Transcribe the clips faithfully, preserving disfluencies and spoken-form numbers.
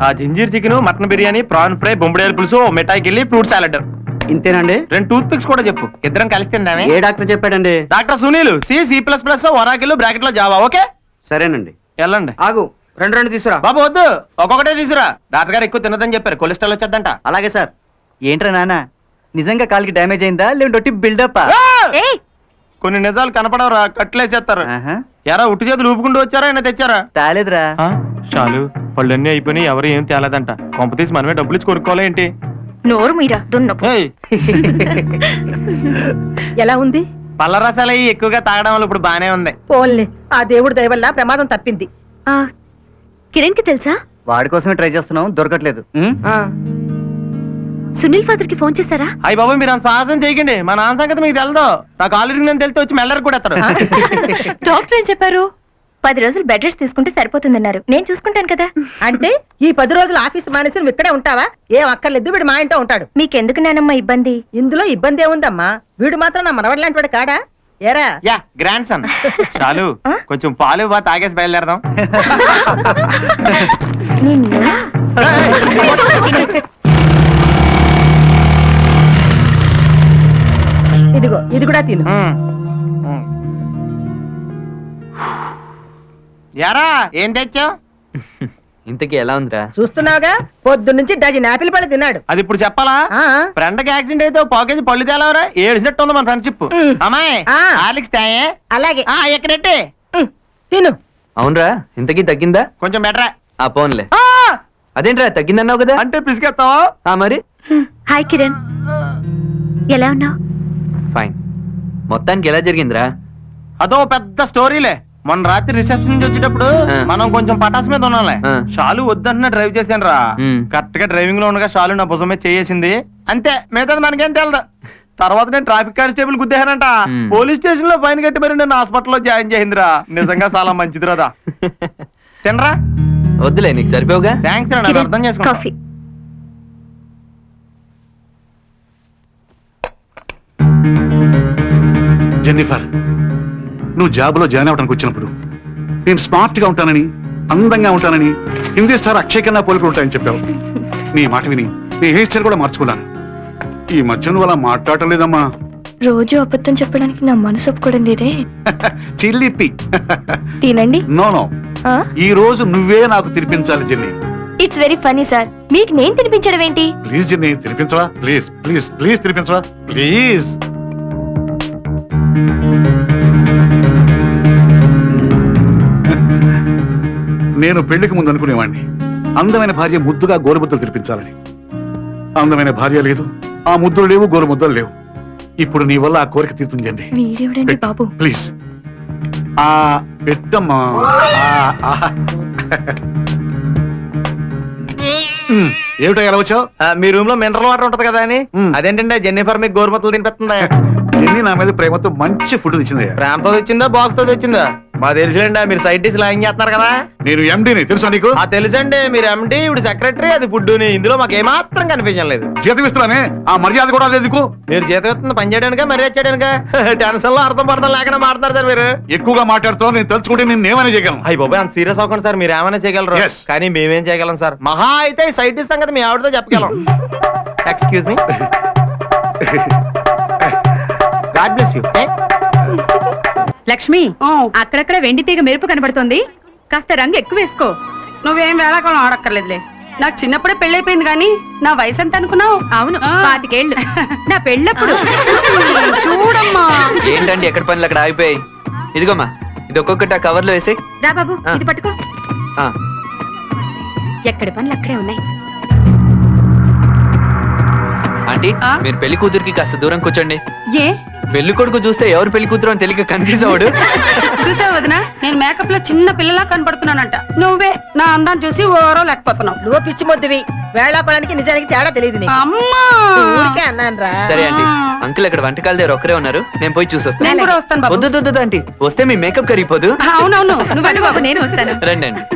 ఆ ginger chicken, mutton biryani, prawn fry, బొంబడేలు పులుసు, మిఠాయికి వెళ్ళి ఫ్రూట్ సాలెడ్. ఇంతేనండి? రెండు టూత్ పిక్స్ కూడా చెప్పు, ఇద్దరం కలిసి తిందామే. ఏ డాక్టర్ చెప్పాడండి? Doctor Sunil. C C plus plus Oracle bracket లో జావా. ఓకే సరేనండి. వెళ్ళండి. ఆగు, రెండు రెండు తీసుకురా. బాబు వద్దు, ఒక్కొక్కటే తీసుకురా. డాక్టర్ గారు ఎక్కువ తినదని చెప్పారు, కొలెస్ట్రాల్ వచ్చేద్దంట. అలాగే సార్. ఏంట్రా నాన్న, నిజంగా కాలికి డ్యామేజ్ అయిందా లేదంటే బిల్డప్? కొన్ని నిజాలు కనపడవరా, కట్లేసేస్తారు. ఎరా ఉట్టి చేతులు ఊపుకుంటూ వచ్చారా ఆయన తెచ్చారా? తాలేదురా. చాలు, పళ్ళన్నీ అయిపోయినాయి, ఎవరు ఏం తేలేదంట. కొంప తీసి మనమే డబ్బులు ఇచ్చి కొనుక్కోవాలి ఏంటి? నోరు మీరా దున్నపు. ఎలా ఉంది? పళ్ళ రసాలు అయ్యి ఎక్కువగా తాగడం వల్ల ఇప్పుడు బానే ఉంది. పోన్లే, ఆ దేవుడి దయ వల్ల ప్రమాదం తప్పింది. కిరణ్ కి తెలుసా? వాడి కోసమే ట్రై చేస్తున్నాం, దొరకట్లేదు. సునీల్ ఫాదర్ కి ఫోన్ చేశారా? అయ్యి బాబు మీరు అంత సాహసం చేయకండి, మా నాన్న సంగతి మీకు తెలదు. నాకు ఆల్రెడీ నేను తెలితే వచ్చి మెల్లరికి కూడా ఎత్తాడు. డాక్టర్ ఏం చెప్పారు? పది రోజులు బెడ్ రెస్ట్ తీసుకుంటే సరిపోతుందన్నారు. నేను చూసుకుంటాను కదా. అంటే ఈ పది రోజులు ఆఫీస్ మానేసి నువ్వు ఇక్కడే ఉంటావా? ఏం అక్కర్లేదు, వీడు మా ఇంట్లో ఉంటాడు. మీకెందుకు నానమ్మ ఇబ్బంది? ఇందులో ఇబ్బంది ఏముందమ్మా? వీడు మాత్రం నా మనవడి లాంటి వాడు కాడా? ఏరా యా గ్రాండ్ సన్. చాలు, కొంచెం పాలు బా తాగేసి బయలుదేరదాం. ఇదిగో ఇది కూడా తిను. యారా ఏం తెచ్చావు? ఇంతకీ ఎలా ఉందిరా? చూస్తున్నావుగా, పొద్దు నుంచి డజన్ యాపిల్ పళ్ళు తిన్నాడు. అది ఇప్పుడు చెప్పాలా? ఫ్రెండ్ కి యాక్సిడెంట్ అయితే పాకేజ్ పళ్ళు తేలవరా? ఏడ్చినట్టు ఉంది మన ఫ్రెండ్షిప్. అమ్మాయి ఆలిక్స్ తాయే. అలాగే ఎక్కడెట్టే తిను. అవునరా, ఇంతకీ తగ్గిందా? కొంచెం బెటరా. ఆ పోన్లే. అదేంట్రా తగ్గిందన్నావు కదా? అంటే పిసికెత్తావా మరి? హాయ్ కిరణ్, ఎలా ఉన్నావు? ఫైన్. మొత్తానికి ఎలా జరిగిందిరా? అదో పెద్ద స్టోరీలే. మొన్న రాత్రి రిసెప్షన్ నుంచి వచ్చేటప్పుడు మనం కొంచెం పటాస్ మీద ఉన్నాంలే. షాలు వద్దంటున్నా డ్రైవ్ చేశాను రా. కరెక్ట్ గా డ్రైవింగ్ లో ఉండగా షాలు నా భుజం మీద చేసింది. అంతే, మిగతాది మనకేం తెలదు. తర్వాత నేను ట్రాఫిక్ కానిస్టేబుల్ గుద్దేశానంట. పోలీస్ స్టేషన్ లో ఫైన్ కట్టి మరి నేను హాస్పిటల్లో జాయిన్ చేసిందిరా. నిజంగా చాలా మంచిది రాదా. తినరా? వద్దులే, నీకు సరిపోగా. థ్యాంక్స్ రా, నాకు అర్థం చేసుకో. కాఫీ. జెన్నిఫర్, నువ్వు జాబ్లో జాయిన్ అవడానికి వచ్చినప్పుడు నేను స్మార్ట్ గా ఉంటానని, అందంగా ఉంటానని, హిందీ స్టార్ అక్షయ్ కన్నా పోలికలు ఉంటాయని చెప్పావు. నీ మాట విని నీ హెయిర్ స్టైల్ కూడా మార్చుకున్నాను. ఈ మధ్య నువ్వు అలా మాట్లాడటం లేదమ్మా. రోజు అబద్ధం చెప్పడానికి నా మనసు ఒప్పుకోవడం లేదే. చిల్లిపి. తినండి. నో నో, ఈ రోజు నువ్వే నాకు తినిపించాలి Jenny. It's very funny sir, మీకు నేను తినిపించడం ఏంటి? ప్లీజ్ జెన్నీ, తినిపించవా? ప్లీజ్ ప్లీజ్ ప్లీజ్ తినిపించవా ప్లీజ్. నేను పెళ్లికి ముందు అనుకునేవాడిని అందమైన భార్య ముద్దుగా గోరుముద్దలు తినిపించాలని. అందమైన భార్య లేదు, ఆ ముద్దులు లేవు, గోరుముద్దలు లేవు. ఇప్పుడు నీ వల్ల ఆ కోరిక తీరుతుందండి. బాబు ప్లీజ్. ఆ పెట్టమ్మా. ఏమిటో ఎలా వచ్చావు? మీ రూమ్ లో మినరల్ వాటర్ ఉంటది కదా అని. అదేంటంటే జెన్నిఫర్ మీకు గోరుమత్తలు తినిపిస్తుందా? జెన్నీ నా మీద ప్రేమతో మంచి ఫుడ్ తెచ్చింది. ప్రేమతో తెచ్చిందా, బాక్స్ తో తెచ్చిందా? మా తెలుసులేండి, మీరు సైడ్ డిష్ లాయింగ్ చేస్తున్నారు కదా. నేను ఎండీని తెలుసా నీకు? ఆ తెలుసండి, మీరు ఎండీ, ఇప్పుడు సెక్రటరీ, అది ఫుడ్. ఇందులో మాకు ఏమాత్రం కనిపించలేదు. జీతం ఇస్తున్నానే, ఆ మర్యాద కూడా లేదు నీకు. మీరు జీతం ఇస్తుంది పని చేయడానికా, మర్యాద చేయడానికా? టెన్షన్ లో అర్థం పడతాం లేకుండా మాట్లాడతారు సార్ మీరు. ఎక్కువగా మాట్లాడుతావు, నేను తలుచుకుంటే నేను ఏమైనా చేయగలను. అయ్యి బాబాయ్, అంత సీరియస్ అవ్వకండి సార్. మీరు ఏమైనా చేయగలరు, కానీ మేమేం చేయగలం సార్. మహా అయితే సైడ్ డిష్ సంగతి మీ ఆవిడతో చెప్పగలం. Excuse me. God bless you. Lakshmi, అక్కడక్కడ వెండి తీగ మెరుపు కనబడుతుంది, కాస్త రంగు ఎక్కువ వేసుకో. నువ్వేం వేళాకాలం ఆడక్కర్లేదులే. నాకు చిన్నప్పుడే పెళ్ళైపోయింది కానీ నా వయసు ఎంత అనుకున్నావు? అవును, పాతికేళ్ళు. నా పెళ్ళప్పుడు. చూడమ్మా. ఏంటండి ఎక్కడ పనులు అక్కడ ఆగిపోయాయి? ఇదిగోమ్మా, ఇది ఒక్కొక్కటి ఆ కవర్ లో వేసి. రా బాబు, ఇది పట్టుకో. ఎక్కడి పనులు అక్కడే ఉన్నాయి. ఆంటీ, మీరు పెళ్లి కూతురికి కాస్త దూరం కూర్చోండి. ఏ పెళ్లి కొడుకు చూస్తే ఎవరు పెళ్లి కూతురు అని తెలియక కన్ఫ్యూజ్ అవ్వడు. చూసావు వదినా, నేను మేకప్ లో చిన్న పిల్లలా కనపడుతున్నానంట. నువ్వే నా అందాన్ని చూసి ఓరో లేకపోతున్నావు. నువ్వు పిచ్చి మొద్దువి. వేళాకోడానికి నిజానికి తేడా తెలియదు. అమ్మా, ఊరికే అన్నాను రా. సరే ఆంటీ, అంకుల్ అక్కడ వంటకాల దగ్గర ఒక్కరే ఉన్నారు, నేను పోయి చూసి వస్తాను. నేను కూడా వస్తాను బాబు. వద్దు వద్దు ఆంటీ, వస్తే మీ మేకప్ కరిగిపోదు. అవునవును, నువ్వు వెళ్ళు బాబు, నేను వస్తాను. రండి అండి.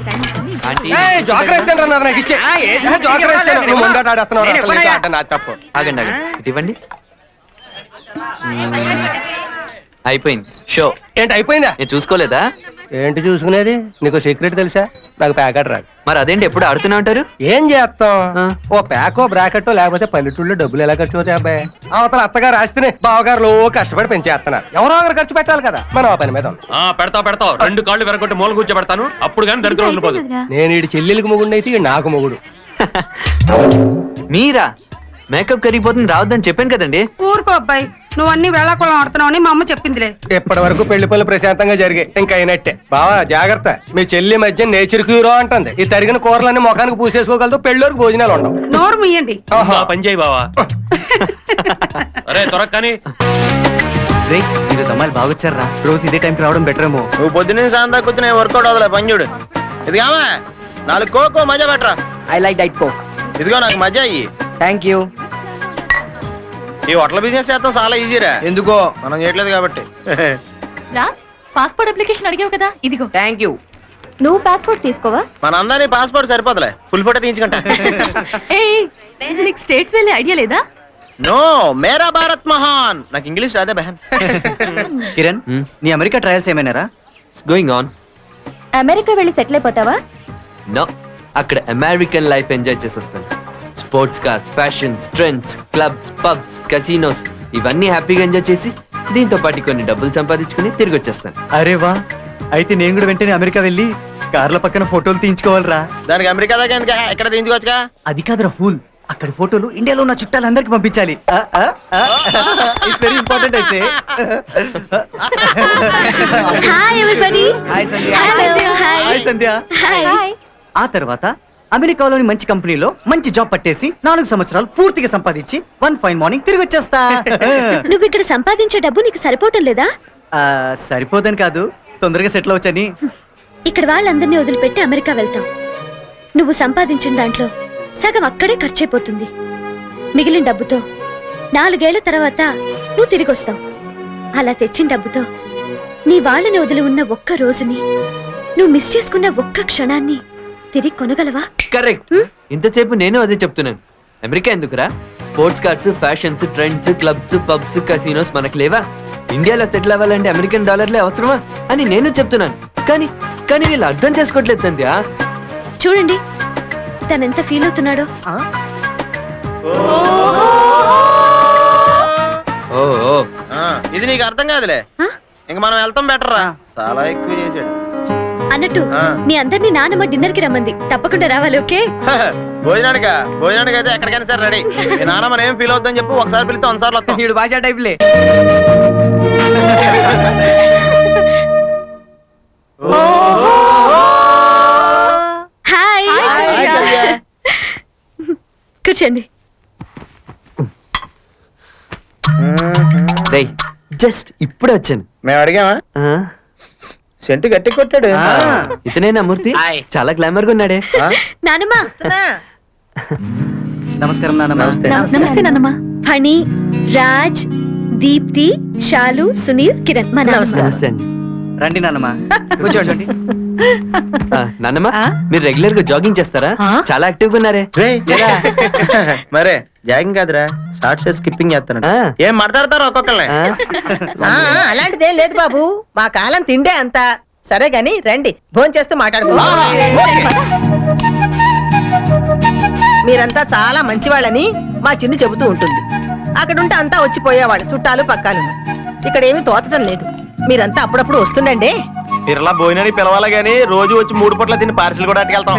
ఆగండి ఆగండి, ఇటు ఇవ్వండి. అయిపోయింది షో. ఏంటి అయిపోయిందా? నేను చూసుకోలేదా? ఏంటి చూసుకునేది? నీకు సీక్రెట్ తెలుసా? నాకు ప్యాకెట్ రాదు. మరి అదేంటి ఎప్పుడు ఆడుతూనే ఉంటారు? ఏం చేస్తాం, ఓ ప్యాకో బ్రాకెట్ లేకపోతే పల్లెటూళ్ళు డబ్బులు ఎలా ఖర్చు అవుతాయి అబ్బాయి? అవతల అత్తగారు ఆస్తిని బావగారులు కష్టపడి పెంచేస్తున్నారు. ఎవరో ఒకరు ఖర్చు పెట్టాలి కదా, మనం ఆ పని మీద ఉన్నాం. ఆ పెడతావు పెడతావు రెండు కాళ్ళు వెరగొట్టి మూల కూర్చోబెడతాను, అప్పుడు కానీ దరిద్రం వదిలిపోదు. నేను ఈ చెల్లెలికి మొగుడు అయితే ఈడు నాకు మొగుడు. మీరా? మేకప్ కరిగిపోతుంది రావద్దని చెప్పాను కదండి. ఊరుకో అబ్బాయి, నువ్వు అన్ని వేళాకుళం ఆడుతున్నావు అని మా అమ్మ చెప్పిందిలే. ఇప్పటి వరకు పెళ్లి పనులు ప్రశాంతంగా జరిగాయి, ఇంకా అయినట్టే. బావా జాగ్రత్త, మీ చెల్లి మధ్య నేచర్ క్యూరో అంటుంది. ఈ తరిగిన కూరలన్నీ ముఖానికి పూసేసుకోగలదు, పెళ్ళోరికి భోజనాలు ఉండవు. నోరు మీయండి. ఆ పని చేయి బావా. అరే త్వరగా కానీ. రే ఈరోజు అమ్మాయిలు బాగొచ్చారా? రోజు ఇదే టైంకి రావడం బెటర్ ఏమో. నువ్వు పొద్దున్నే సాయంత్రం దాకా కూర్చుని వర్కౌట్ అవ్వలే పని చూడు. ఇదిగామా నాలుగు కోకో మజా పెట్టరా. I like diet coke. ఇదిగో నాకు మజా అయ్యి. Thank you. ఈ హోటల్ బిజినెస్ చేస్తాం చాలా ఈజీరా. ఎందుకో మనం చేయట్లేదు కాబట్టి. రాజ్ పాస్పోర్ట్ అప్లికేషన్ అడిగావు కదా, ఇదిగో. Thank you. నువ్వు పాస్పోర్ట్ తీసుకోవా? మన అందరినీ పాస్పోర్ట్ సరిపోతలే, ఫుల్ ఫోటో తీయించుకుంటా. నీకు స్టేట్స్ వెళ్ళే ఐడియా లేదా? నో, మేరా భారత్ మహాన్. నాకు ఇంగ్లీష్ రాదే బహన్. కిరణ్, నీ అమెరికా ట్రయల్స్ ఏమైనారా? Going on. అమెరికా వెళ్ళి సెటిల్ అయిపోతావా? నో, అక్కడ అమెరికన్ లైఫ్ ఎంజాయ్ చేసి వస్తాను. Sports cars, fashions, trends, clubs, pubs, casinos ఇవన్నీ హ్యాపీగా ఎంజాయ్ చేసి దీంతో పాటు కొన్ని డబ్బులు సంపాదించుకుని తిరిగి వచ్చేస్తాను. అరే వా, అయితే నేను కూడా వెంటనే అమెరికా వెళ్ళి కార్ల పక్కన ఫోటోలు తీయించుకోవాలరా. దానికి అమెరికా దాకా ఎందుకు, ఇక్కడ తీయించుకోవచ్చుగా. అది కాదురా ఫూల్, అక్కడి ఫోటోలు ఇండియాలో ఉన్న చుట్టాలందరికి పంపించాలి. వెరీ ఇంపార్టెంట్ అయితే. Hi everybody. Hi Sandhya. Hi. Hi Sandhya. Hi. ఆ తర్వాత అమెరికాలోని మంచి కంపెనీలో మంచి జాబ్ పట్టేసి నాలుగు సంవత్సరాలు పూర్తిగా సంపాదించి వన్ ఫైన్ మార్నింగ్ తిరిగి వచ్చేస్తా. నువ్వు ఇక్కడ సంపాదించే డబ్బు నీకు సరిపోవటం లేదా? ఆ, సరిపోదని కాదు, తొందరగా సెటిల్ అవచ్చని. ఇక్కడ వాళ్ళందరినీ వదిలిపెట్టి అమెరికా వెళ్తాం. నువ్వు సంపాదించిన దాంట్లో సగం అక్కడే ఖర్చయిపోతుంది. మిగిలిన డబ్బుతో నాలుగేళ్ల తర్వాత నువ్వు తిరిగి వస్తావు. అలా తెచ్చిన డబ్బుతో నీ వాళ్ళని వదిలి ఉన్న ఒక్క రోజుని, నువ్వు మిస్ చేసుకున్న ఒక్క క్షణాన్ని తిరిగి కొనగలవా? కరెక్ట్. ఇంతసేపు నేను అదే చెప్తున్నాను. అమెరికా ఎందుకురా? Sports cars, fashions, trends, clubs, pubs, casinos మనకు లేవా? ఇండియాలో సెటిల్ అవ్వాలంటే అమెరికన్ డాలర్లే అవసరమా అని నేను చెప్తున్నాను. కానీ కానీ వీళ్ళు అర్థం చేసుకోవట్లేదు సంధ్య. చూడండి తనెంత ఫీల్ అవుతున్నాడో. ఓ ఓ. ఆ, ఇది నీకు అర్థం కాదులే. ఆ? ఇంక మనం వెళ్తాం బెటర్ రా. చాలా ఎక్కువ చేసాడు అన్నట్టు ఆ. మీ అందరినీ నానమ్మ డిన్నర్ కి రమ్మంది, తప్పకుండా రావాలి. ఓకే? భోజనానికా? భోజనానికి అయితే ఎక్కడికైనా సరే రెడీ. మీ నాన్న మనం ఏం ఫీల్ అవుతుందని చెప్పు, ఒకసారి పిలిస్తే ఒకసారి వస్తాం. వీడు భాషా టైప్లే. హాయ్. కూర్చోండి. రేయ్, జస్ట్ ఇప్పుడే వచ్చాను. మేము అడిగామా? ఆ, సెంటు గట్టి కొట్టాడు. ఇతనేనా మూర్తి? చాలా గ్లామర్ గా ఉన్నాడే. నానమ్మ. నమస్కారం నాన్న. నమస్తే నానమ్మ. ఫణి, రాజ్, దీప్తి, శాలు, సునీల్, కిరణ్. మా నాన్న. నమస్తే అండి. రండి నాన్నమ్మ, కూర్చోండి. ఆ, నాన్నమ్మ, మీరు రెగ్యులర్ గా జాగింగ్ చేస్తారా? చాలా యాక్టివ్ గా ఉన్నారే. మరే జాగింగ్ కాదురా, షార్ట్ స్కిప్పింగ్ చేస్తాను. ఆ. ఏం మాట్లాడతారు ఒక్కొక్కళ్ళని. ఆ, ఆ, అలాంటిదేం లేదు బాబు, మా కాలం తిండే అంత. సరే గాని రండి, భోంచేస్తూ చేస్తూ మాట్లాడుకో. మీరంతా చాలా మంచివాళ్ళని మా చిన్ను చెబుతూ ఉంటుంది. అక్కడుంటే అంతా వచ్చిపోయేవాళ్ళు, చుట్టాలు పక్కాలు. ఇక్కడ ఏమీ తోచడం లేదు. మీరంతా అప్పుడప్పుడు వస్తుండండి. ఇరలా భోజనానికి పిలవాలి గానీ రోజు వచ్చి మూడు పూట్ల తిని పార్సిల్ కూడా అట్టుకెళ్తాం.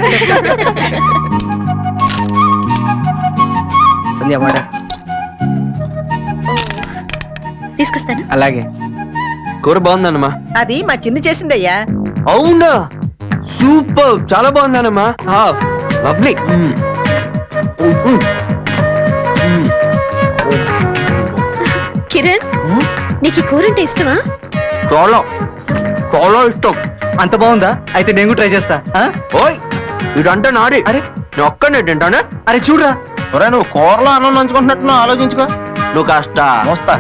తీసుకొస్తాను. అలాగే. కూర బాగుందన్నమా. అది మా చిన్ను చేసిందయ్యా. అవునా? సూపర్, చాలా బాగుందన్నమా. లవ్లీ. కిరణ్, నీకు ఈ కూర అంటే ఇష్టమా? చాలా చాలా ఇష్టం. అంత బాగుందా? అయితే నేను కూడా ట్రై చేస్తా. ఆ? ఓయ్, ఇదంటే నాడి. అరే నేను ఒక్కనే తింటానే. అరే చూడరా, ఒరే నువ్వు కూరలో అన్నం నంచుకుంటున్నట్టు ఆలోచించుకో. నువ్వు కాస్త మోస్తా.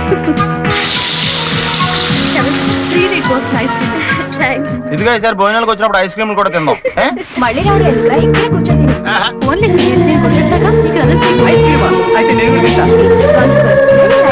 ఇదిగో ఈసారి భోజనాలకు వచ్చినప్పుడు ఐస్ క్రీమ్ కూడా తిందాం. మళ్ళీ రావడం ఎందుకురా? ఇక్కడే కూర్చొని తిను. ఓన్లీ నేను కొట్టేస్తాగా, నీకు అలర్జీ. ఐస్ క్రీమా? అయితే నేను కూడా తింటా.